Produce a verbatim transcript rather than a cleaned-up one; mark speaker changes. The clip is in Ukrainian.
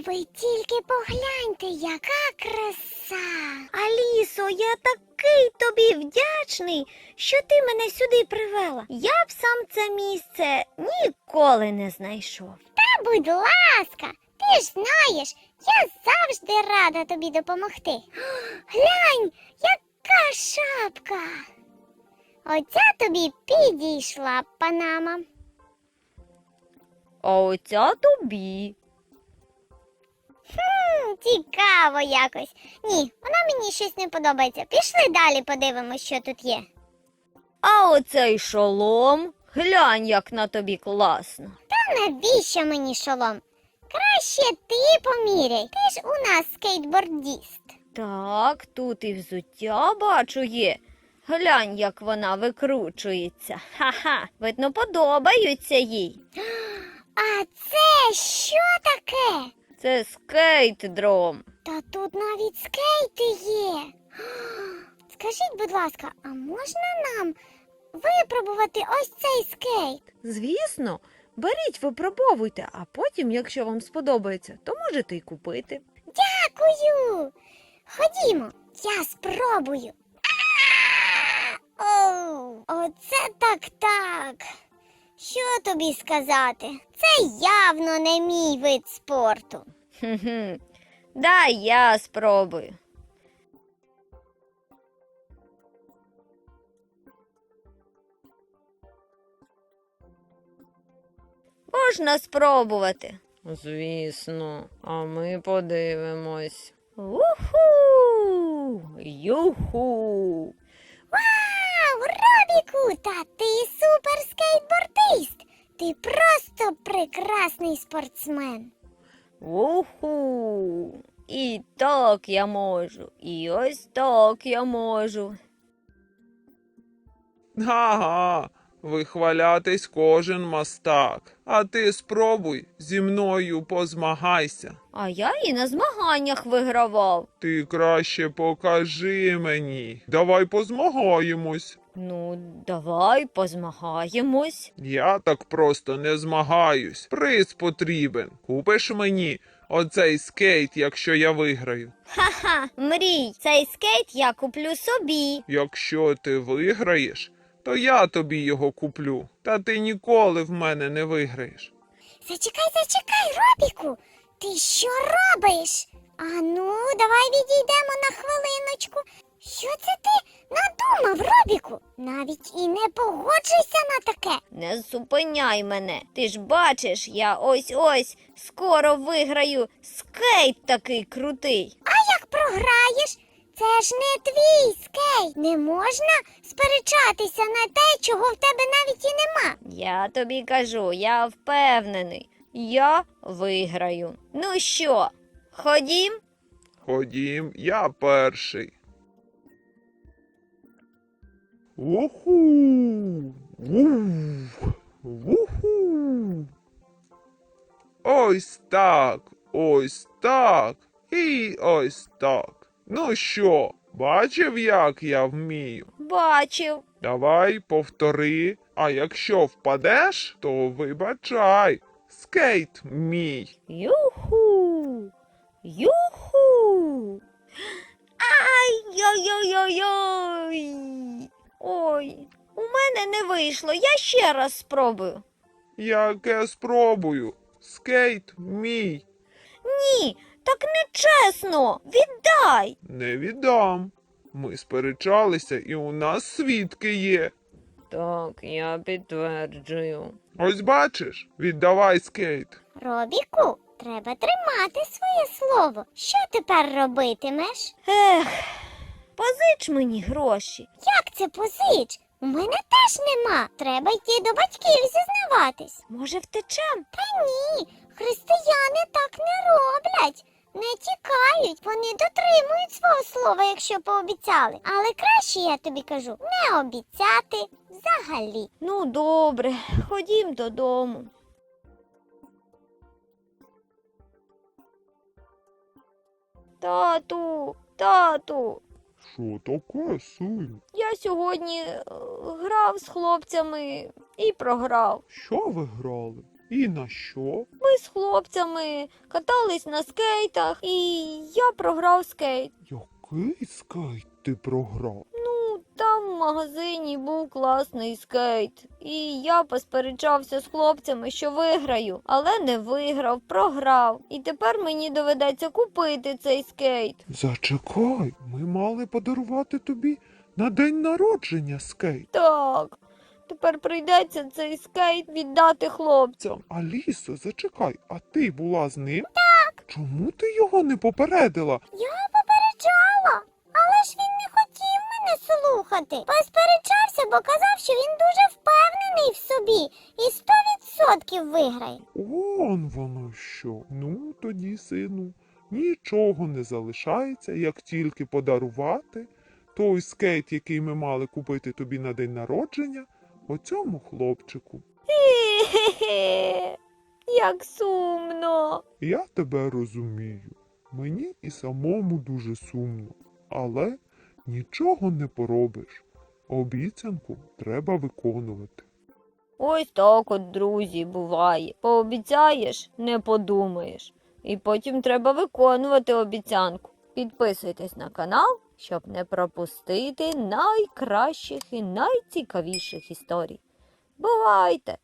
Speaker 1: Ви тільки погляньте, яка краса!
Speaker 2: Алісо, я такий тобі вдячний, що ти мене сюди привела. Я б сам це місце ніколи не знайшов.
Speaker 1: Та будь ласка, ти ж знаєш, я завжди рада тобі допомогти. Глянь, яка шапка! Оця тобі підійшла, панама.
Speaker 2: А оця тобі.
Speaker 1: Хм, цікаво якось. Ні, вона мені щось не подобається. Пішли далі подивимось, що тут є.
Speaker 2: А оцей шолом, глянь, як на тобі класно.
Speaker 1: Та навіщо мені шолом? Краще ти поміряй. Ти ж у нас скейтбордіст.
Speaker 2: Так, тут і взуття, бачу, є. Глянь, як вона викручується. Ха-ха, видно, подобаються їй.
Speaker 1: А це що таке?
Speaker 2: Це скейт-дром.
Speaker 1: Та тут навіть скейти є. Скажіть, будь ласка, а можна нам випробувати ось цей скейт?
Speaker 3: Звісно, беріть, випробовуйте, а потім, якщо вам сподобається, то можете й купити.
Speaker 1: Дякую. Ходімо, я спробую. А! Оу, оце так-так. Що тобі сказати? Це явно не мій вид спорту.
Speaker 2: Хм-хм. Дай я спробую. Можна спробувати.
Speaker 3: Звісно, а ми подивимось.
Speaker 2: Уху! Юху!
Speaker 1: Вау, Робіку, та ти суперскейтбордист. Ти просто прекрасний спортсмен.
Speaker 2: Уху! І так я можу, і ось так я можу.
Speaker 4: Ага, вихвалятись кожен мастак. А ти спробуй, зі мною позмагайся.
Speaker 2: А я і на змаганнях вигравав.
Speaker 4: Ти краще покажи мені. Давай позмагаємось.
Speaker 2: Ну, давай позмагаємось.
Speaker 4: Я так просто не змагаюсь. Приз потрібен. Купиш мені оцей скейт, якщо я виграю.
Speaker 2: Ха-ха, мрій, цей скейт я куплю собі.
Speaker 4: Якщо ти виграєш, то я тобі його куплю. Та ти ніколи в мене не виграєш.
Speaker 1: Зачекай, зачекай, Робіку. Ти що робиш? А ну, давай відійдемо на хвилиночку. Що це ти надумав, Робіку? Навіть і не погоджуйся на таке.
Speaker 2: Не зупиняй мене. Ти ж бачиш, я ось-ось скоро виграю скейт такий крутий.
Speaker 1: А як програєш? Це ж не твій скейт. Не можна сперечатися на те, чого в тебе навіть і нема.
Speaker 2: Я тобі кажу, я впевнений. Я виграю. Ну що, ходім?
Speaker 4: Ходім, я перший. Уху! Вух! Вуху! Ось так, ось так і ось так. Ну що, бачив, як я вмію?
Speaker 2: Бачив.
Speaker 4: Давай повтори, а якщо впадеш, то вибачай. Скейт мій.
Speaker 2: Юху! Юху! Ай-яй-яй-яй! Ой, у мене не вийшло, я ще раз спробую.
Speaker 4: Яке спробую. Скейт мій.
Speaker 2: Ні, так не чесно. Віддай.
Speaker 4: Не віддам. Ми сперечалися, і у нас свідки є.
Speaker 3: Так, я підтверджую.
Speaker 4: Ось бачиш, віддавай скейт.
Speaker 1: Робіку, треба тримати своє слово. Що тепер робитимеш?
Speaker 2: Ех, позич мені гроші.
Speaker 1: Як це позич? У мене теж нема. Треба йти до батьків зізнаватись.
Speaker 2: Може, втечем?
Speaker 1: Та ні, християни так не роблять. Не тікають, вони дотримують свого слова, якщо пообіцяли. Але краще, я тобі кажу, не обіцяти взагалі.
Speaker 2: Ну, добре, ходім додому. Тату, тату,
Speaker 4: Що таке, син?
Speaker 2: я сьогодні е, грав з хлопцями і програв.
Speaker 4: Що ви грали? І на що?
Speaker 2: Ми з хлопцями катались на скейтах, і я програв скейт.
Speaker 4: Який скейт ти програв?
Speaker 2: Ну, там в магазині був класний скейт. І я посперечався з хлопцями, що виграю, але не виграв, програв. І тепер мені доведеться купити цей скейт.
Speaker 4: Зачекай, ми мали подарувати тобі на день народження скейт.
Speaker 2: Так, тепер прийдеться цей скейт віддати хлопцям.
Speaker 4: Алісо, зачекай, а ти була з ним? Так. Чому ти його не попередила?
Speaker 1: Я попереджала, але ж він не хотів мене слухати. Посперечався, бо казав, що він дуже впевнений в собі і сто відсотків виграє.
Speaker 4: Он воно що. Ну, тоді, сину, нічого не залишається, як тільки подарувати той скейт, який ми мали купити тобі на день народження, оцьому хлопчику.
Speaker 2: Хе-хе-хе, як сумно.
Speaker 4: Я тебе розумію. Мені і самому дуже сумно. Але нічого не поробиш. Обіцянку треба виконувати.
Speaker 2: Ось так от, друзі, буває. Пообіцяєш, не подумаєш. І потім треба виконувати обіцянку. Підписуйтесь на канал, щоб не пропустити найкращих і найцікавіших історій. Бувайте!